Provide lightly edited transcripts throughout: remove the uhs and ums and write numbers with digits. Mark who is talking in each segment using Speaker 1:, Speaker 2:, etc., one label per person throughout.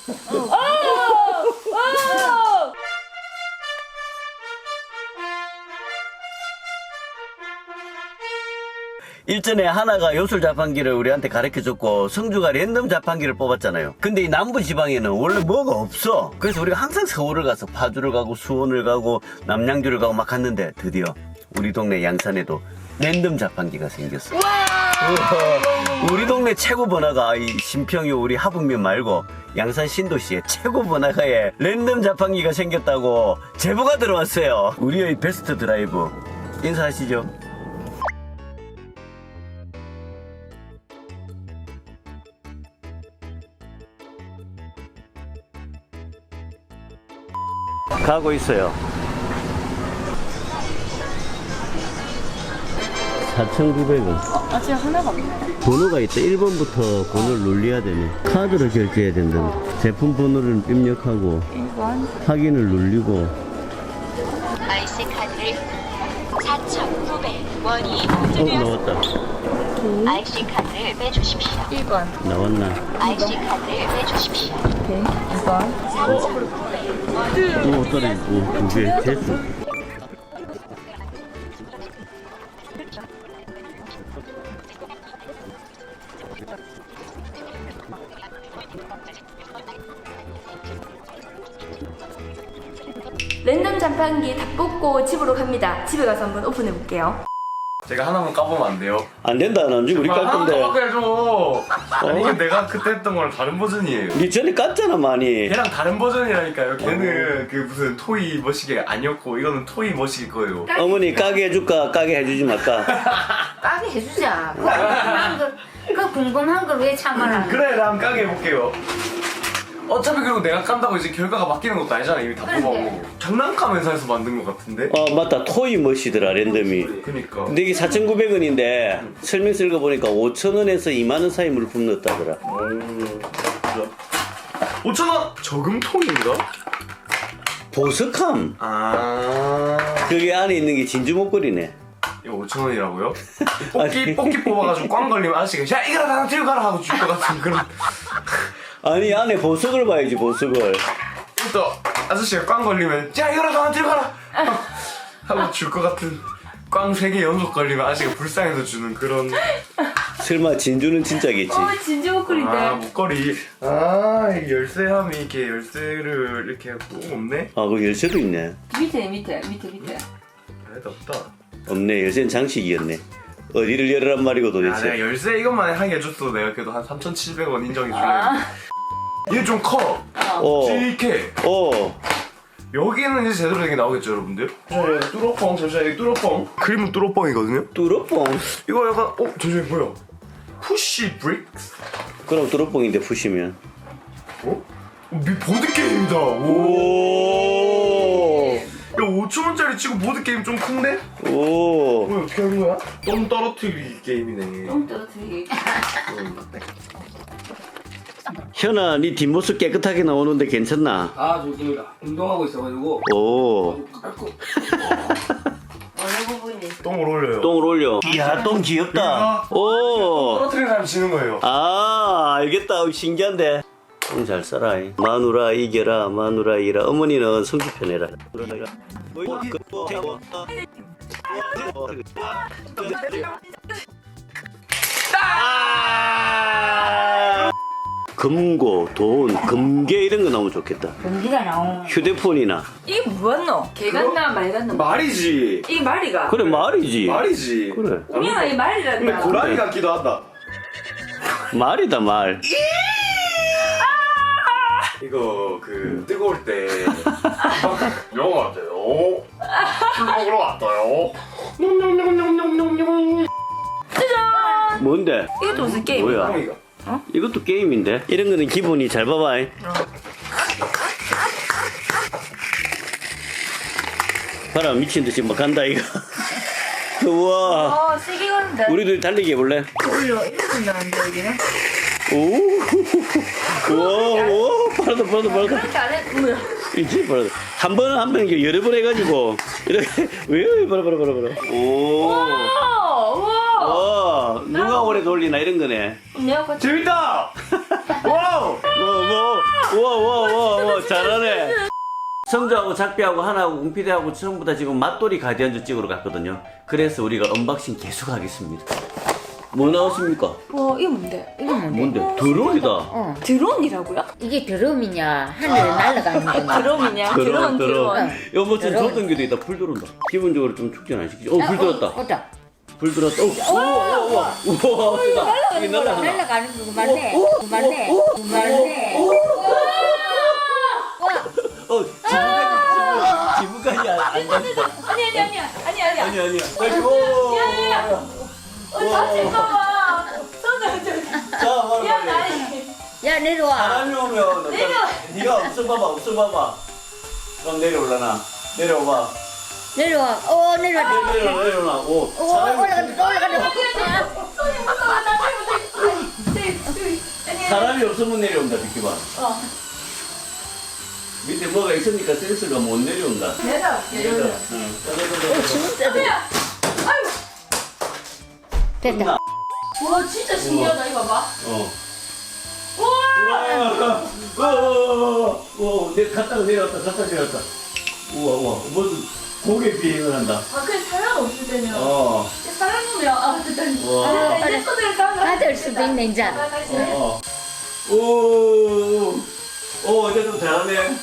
Speaker 1: 일전에 하나가 요술 자판기를 우리한테 가르쳐줬고 성주가 랜덤 자판기를 뽑았잖아요. 근데 이 남부지방에는 원래 뭐가 없어. 그래서 우리가 항상 서울을 가서 파주를 가고 수원을 가고 남양주를 가고 막 갔는데 드디어 우리 동네 양산에도 랜덤 자판기가 생겼어. 우와. 우리 동네 최고 번화가 이 신평이 우리 하북면 말고 양산 신도시에 최고 번화가에 랜덤 자판기가 생겼다고 제보가 들어왔어요. 우리의 베스트 드라이브 인사하시죠. 가고 있어요. 4,900원.
Speaker 2: 아직 하나가 없네.
Speaker 1: 번호가 있다. 1번부터 번호를 눌려야 되네. 카드로 결제해야 된다. 제품 번호를 입력하고
Speaker 2: 1번.
Speaker 1: 확인을 눌리고.
Speaker 3: IC 카드를 4,900원이
Speaker 1: 나왔다.
Speaker 3: IC 카드를 빼주십시오.
Speaker 2: 1번.
Speaker 1: 나왔나?
Speaker 3: IC 카드를 빼주십시오.
Speaker 2: 오케이. 2번.
Speaker 1: 오, 떨어지고. 두 개. 됐어.
Speaker 2: 랜덤 자판기 다 뽑고 집으로 갑니다. 집에 가서 한번 오픈해 볼게요.
Speaker 4: 제가 하나만 까보면 안 돼요?
Speaker 1: 안 된다. 난지 우리 깔 건데.
Speaker 4: 하나 해줘. 아니 이게 내가 그때 했던 거랑 다른 버전이에요.
Speaker 1: 니 전에 깠잖아, 많이.
Speaker 4: 걔랑 다른 버전이라니까요. 걔는 그 무슨 토이 머시기 아니었고 이거는 토이 머시기 거예요.
Speaker 1: 어머니 까게 해줄까? 까게 해주지 말까?
Speaker 5: 까게 해주자. 그 궁금한 걸 왜 참아라.
Speaker 4: 그래 나 한번 까게 해볼게요. 어차피 그리고 내가 깐다고 이제 결과가 바뀌는 것도 아니잖아. 이미 다 뽑아보고. 장난감 회사에서 만든 것 같은데?
Speaker 1: 맞다. 토이 멋이더라, 랜덤이.
Speaker 4: 그니까.
Speaker 1: 근데 이게 4,900원인데 설명서 읽어보니까 5,000원에서 2만원 사이 물품 넣었다더라.
Speaker 4: 5,000원! 저금통인가?
Speaker 1: 보석함. 그게 안에 있는 게 진주 목걸이네.
Speaker 4: 이거 5,000원이라고요?
Speaker 1: 아니.
Speaker 4: 뽑기 뽑아가지고 꽝 걸리면 아저씨가 야 이거라 나 들고 가라 하고 줄 것 같은 그런.
Speaker 1: 아니 안에 보석을 봐야지, 보석을.
Speaker 4: 또 아저씨가 꽝 걸리면 야 이거라 나 들고 가라 하고 줄 것 같은. 꽝 3개 연속 걸리면 아저씨가 불쌍해서 주는 그런.
Speaker 1: 설마 진주는 진짜겠지?
Speaker 2: 진주 목걸이인데.
Speaker 4: 목걸이. 이 열쇠함이 이렇게 열쇠를 이렇게 꾹 없네?
Speaker 1: 그 열쇠도 있네.
Speaker 2: 밑에.
Speaker 4: 아니다 없다.
Speaker 1: 없네. 열쇠는 장식이었네. 어디를 열으란 말이고
Speaker 4: 내가
Speaker 1: 도대체.
Speaker 4: 열쇠 이것만 하게 해줬어도 내가 그래도 한 3,700원 인정해줄래. 얘 좀 커. 이렇게. 여기는 이제 제대로 된 게 나오겠죠, 여러분들? 잠시만요, 뚜러뻥, 잠시만요, 뚜러뻥. 그림은 뚜러뻥이거든요?
Speaker 1: 뚜러뽕.
Speaker 4: 이거 약간, 잠시만요, 뭐야? 푸시 브릭스?
Speaker 1: 그럼 뚜러뽕인데 푸시면.
Speaker 4: 보드게임이다!
Speaker 1: 오.
Speaker 4: 야, 5,000원짜리 치고 보드게임 좀 큰데?
Speaker 1: 오.
Speaker 4: 뭐야, 어떻게 하는 거야? 똥 떨어뜨리기 게임이네.
Speaker 2: 똥 떨어뜨리기.
Speaker 1: 현아, 네 뒷모습 깨끗하게 나오는데 괜찮나?
Speaker 6: 좋습니다. 운동하고 있어가지고.
Speaker 1: 오.
Speaker 2: 어느 부분이?
Speaker 4: 똥을 올려요.
Speaker 1: 똥을 올려. 이야, 똥 귀엽다. 오.
Speaker 4: 떨어뜨리는 사람 지는 거예요.
Speaker 1: 알겠다. 신기한데. 똥 잘 싸라. 마누라 이겨라, 마누라 이겨라. 어머니는 성주 편해라. 금고, 돈, 금괴 이런 거 나오면 좋겠다.
Speaker 5: 금기가 나오.
Speaker 1: 휴대폰이나.
Speaker 2: 이게 뭐였노? 개 같나 말 같나?
Speaker 4: 말이지.
Speaker 2: 이게 말이가.
Speaker 1: 그래, 말이지.
Speaker 4: 말이지.
Speaker 1: 그래.
Speaker 2: 우리가 이 말이란다.
Speaker 4: 근데 고라니 같기도 하다.
Speaker 1: 말이다, 말.
Speaker 4: 이거 뜨거울 때 영화 같아요. 술 먹으러 왔어요.
Speaker 1: 뭔데?
Speaker 2: 이것도 무슨 게임?
Speaker 1: 뭐야?
Speaker 4: 똥이가.
Speaker 1: 이것도 게임인데? 이런 거는 기본이 잘 봐봐. 봐라, 미친듯이 막 간다, 이거. 우와.
Speaker 2: 세게 가는데.
Speaker 1: 우리도 달리기 해볼래?
Speaker 2: 올려. 이렇게 나는데 여기는?
Speaker 1: 오. 우와, 빠르다.
Speaker 2: 그렇게 안 해. 뭐야?
Speaker 1: 이제 빠르다. 한 번은 한 번 여러 번 해가지고. 이렇게. 왜, 봐라. 오. 와, 누가 오래 돌리나 이런 거네.
Speaker 2: 내가 같이.
Speaker 4: 재밌다. 와우.
Speaker 1: 우와. 성주하고 작비하고 하나하고 웅피디하고 전부 다 지금 맛돌이 가디언즈 찍으러 갔거든요. 그래서 우리가 언박싱 계속 하겠습니다. 뭐 나왔습니까?
Speaker 2: 와 이거 뭔데?
Speaker 5: 이게 뭔데?
Speaker 1: 뭔데? 드론이다.
Speaker 2: 드론이라고요?
Speaker 5: 이게 드럼이냐 하늘에 날아가는 거냐?
Speaker 2: 드론이냐? 드론.
Speaker 1: 여보 지금
Speaker 5: 드론.
Speaker 1: 조등기도 있다. 불 들어온다. 기본적으로 좀 축전 안 시키지? 불 들었다.
Speaker 5: 왔다.
Speaker 1: 불 들었다. 우와. 우와. 이게 날아가나?
Speaker 5: 날아가는 거 맞네. 맞네. 맞네.
Speaker 1: 지붕까지 안 갔어.
Speaker 2: 아니야.
Speaker 1: 아니야.
Speaker 2: 잠깐만.
Speaker 1: 자, 바로
Speaker 5: 야 내려와.
Speaker 1: 사람이 오면 네가 없어 봐봐. 그럼 내려올라나? 내려와.
Speaker 5: 내려와. 내려와.
Speaker 1: 내려와. 오.
Speaker 5: 올라간다.
Speaker 1: 사람이 없으면 내려온다, 비키봐. 밑에 뭐가 있으니까 센스가 못 내려온다. 내려.
Speaker 5: 됐다.
Speaker 2: 와 진짜 신기하다 이거 봐.
Speaker 1: 우와. 내 갔다가 내려왔다. 우와. 무슨 고개 비행을 한다.
Speaker 2: 아 그래 사람 없을 때면.
Speaker 1: 어.
Speaker 2: 사람 오면 됐다.
Speaker 1: 우와.
Speaker 2: 이제 손을 감아.
Speaker 5: 받을 수도 있네 이제.
Speaker 1: 어쨌든 잘하네.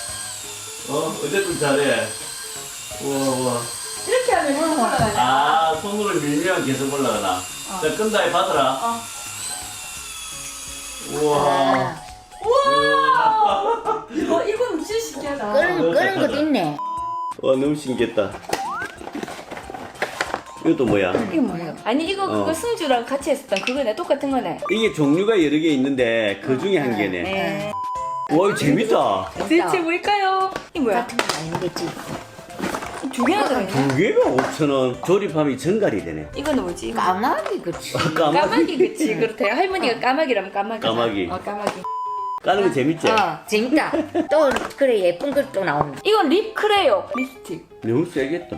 Speaker 1: 어쨌든 잘해. 우와.
Speaker 2: 이렇게 하면 계속 올라가네.
Speaker 1: 아, 손으로 밀면 계속 올라가나. 자, 끈다, 해 받아라. 우와.
Speaker 2: 이건 진짜 신기하다.
Speaker 5: 그런 것도 있네.
Speaker 1: 와, 너무 신기했다. 이것도 뭐야?
Speaker 2: 이거 뭐야? 아니 이거 그거 승주랑 같이 했었던 그거네. 똑같은 거네.
Speaker 1: 이게 종류가 여러 개 있는데 그 중에 한 개네.
Speaker 2: 네.
Speaker 1: 와, 이거 재밌다.
Speaker 2: 대체 뭘까요? 이게 뭐야?
Speaker 5: 같은 거 아니겠지.
Speaker 2: 두 개나 들어있네.
Speaker 1: 두 개가 5,000원. 조립하면 전갈이 되네.
Speaker 2: 이거는 뭐지?
Speaker 5: 까마귀 그치.
Speaker 2: 까마귀 그치 그렇대요. 할머니가 까마귀라면 까마귀.
Speaker 1: 까마귀.
Speaker 2: 까마귀.
Speaker 1: 까는 거 재밌지?
Speaker 5: 재밌다. 또 그래 예쁜 것도 나온다.
Speaker 2: 이건 립 크레요. 립스틱.
Speaker 1: 너무 세겠다.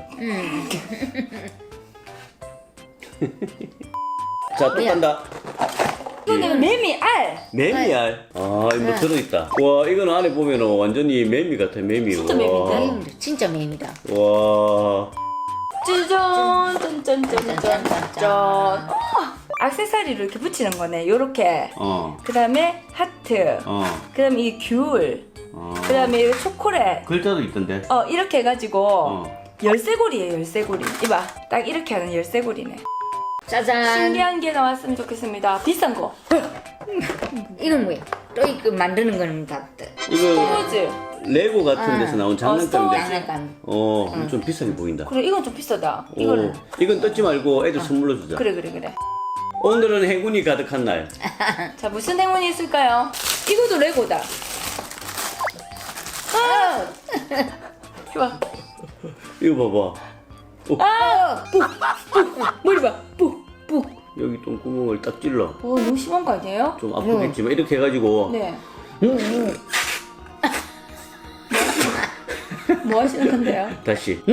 Speaker 1: 자, 또
Speaker 5: 뭐야?
Speaker 1: 간다.
Speaker 2: 이거는 매미 알.
Speaker 1: 매미알. 아, 이거 뭐 들어있다. 와, 이거는 안에 보면 완전히 매미 같아, 매미.
Speaker 2: 진짜
Speaker 1: 와.
Speaker 2: 매미인데?
Speaker 5: 매입니다. 진짜 매입니다.
Speaker 1: 와.
Speaker 2: 짜잔 짠짠짠짠짠. 액세서리를 이렇게 붙이는 거네. 요렇게. 그 다음에 하트. 그 다음에 이 귤. 그 다음에 이 초콜릿.
Speaker 1: 글자도 있던데.
Speaker 2: 이렇게 해가지고 열쇠고리예요. 열쇠고리. 이봐. 딱 이렇게 하는 열쇠고리네.
Speaker 5: 짜잔.
Speaker 2: 신기한 게 나왔으면 좋겠습니다. 비싼 거.
Speaker 5: 이건 뭐야? 또 이거 만드는 거는 다
Speaker 1: 이거
Speaker 2: 포즈.
Speaker 1: 레고 같은 데서 나온 장난감인데.
Speaker 5: 장난감.
Speaker 1: 좀 비싸게 보인다.
Speaker 2: 그래 이건 좀 비싸다.
Speaker 1: 오,
Speaker 2: 이거는.
Speaker 1: 이건 뜯지 말고 애들 선물로 주자.
Speaker 2: 그래.
Speaker 1: 오늘은 행운이 가득한 날.
Speaker 2: 자 무슨 행운이 있을까요? 이것도 레고다. 좋아.
Speaker 1: 이거 봐봐.
Speaker 2: 머리 봐. 푹.
Speaker 1: 여기 똥구멍을 딱 찔러.
Speaker 2: 너무 심한 거 아니에요?
Speaker 1: 좀 아프겠지만 이렇게 해가지고.
Speaker 2: 네. 뭐 하시는 건데요?
Speaker 1: 다시.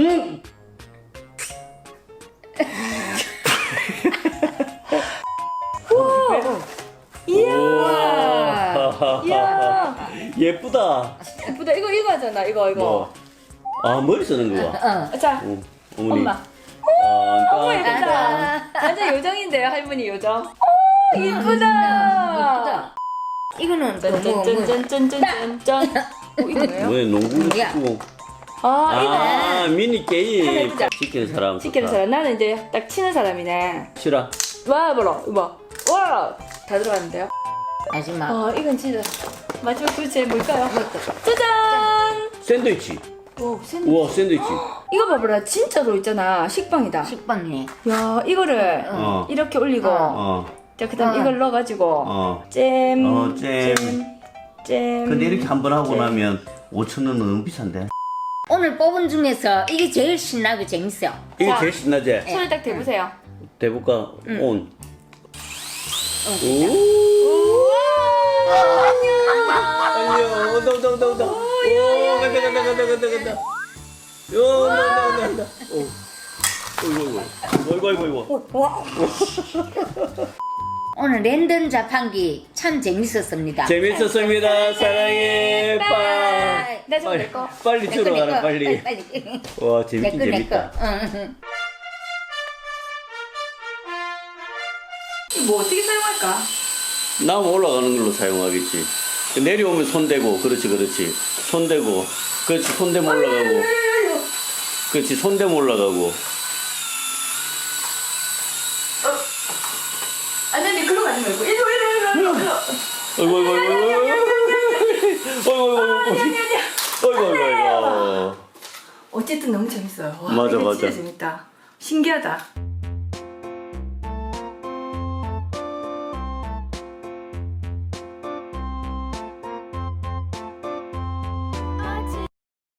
Speaker 2: 이야.
Speaker 1: 예쁘다.
Speaker 2: 예쁘다. 이거 하잖아. 이거.
Speaker 1: 뭐. 아, 머리 쓰는 거야.
Speaker 2: 자,
Speaker 1: 어머니.
Speaker 2: 엄마. 어머 예쁘다. 완전 요정인데요, 할머니 요정. 오, 예쁘다.
Speaker 5: 이거는 또 뭐,
Speaker 2: 짠짠짠짠짠짠. 이거 뭐예요?
Speaker 1: 왜 농구
Speaker 5: 뭐야?
Speaker 1: 축구?
Speaker 2: 아,
Speaker 1: 미니
Speaker 2: 한번
Speaker 1: 게임.
Speaker 2: 해보자.
Speaker 1: 시키는 사람.
Speaker 2: 시키는 사람. 나는 이제 딱 치는 사람이네.
Speaker 1: 싫어.
Speaker 2: 와, 봐라. 이거 봐. 와, 다 들어갔는데요.
Speaker 5: 마지막.
Speaker 2: 이건 진짜 마지막 도대체 뭘까요? 짜잔.
Speaker 1: 샌드위치.
Speaker 2: 오, 샌드.
Speaker 1: 우와, 샌드위치.
Speaker 2: 이거 봐봐라. 진짜로 있잖아. 식빵이다.
Speaker 5: 식빵이네.
Speaker 2: 야, 이거를 이렇게 올리고. 자, 그다음 이걸 넣어가지고 잼. 잼.
Speaker 1: 근데 이렇게 한 번 하고 나면 5,000원은 너무 비싼데.
Speaker 5: 오늘 뽑은 중에서 이게 제일 신나고 재밌어.
Speaker 1: 이게
Speaker 2: 자.
Speaker 1: 제일 신나지?
Speaker 2: 손을 딱 대보세요.
Speaker 1: 대볼까? 온. 안녕. 온다. 오, 간다. 간다. 오. 어이구.
Speaker 5: 오늘 랜덤 자판기 참 재밌었습니다.
Speaker 1: 재밌었습니다. 사랑해.
Speaker 5: 빠이.
Speaker 2: 나 저거 내 거.
Speaker 1: 빨리 주러 가라 빨리.
Speaker 5: 빨리.
Speaker 1: 와 재밌긴
Speaker 5: 내 거.
Speaker 1: 재밌다.
Speaker 5: 응.
Speaker 2: 뭐 어떻게 사용할까?
Speaker 1: 나무 올라가는 걸로 사용하겠지. 내려오면 손 대고, 그렇지. 손 대고, 그렇지. 손 대면 올라가고. 그렇지. 손 대면 올라가고.
Speaker 2: 아니 글로 가지 말고 이리
Speaker 1: 어이구, 어이구.
Speaker 2: 어쨌든 너무 재밌어요. 와,
Speaker 1: 맞아,
Speaker 2: 이게
Speaker 1: 맞아.
Speaker 2: 진짜 재밌다. 신기하다.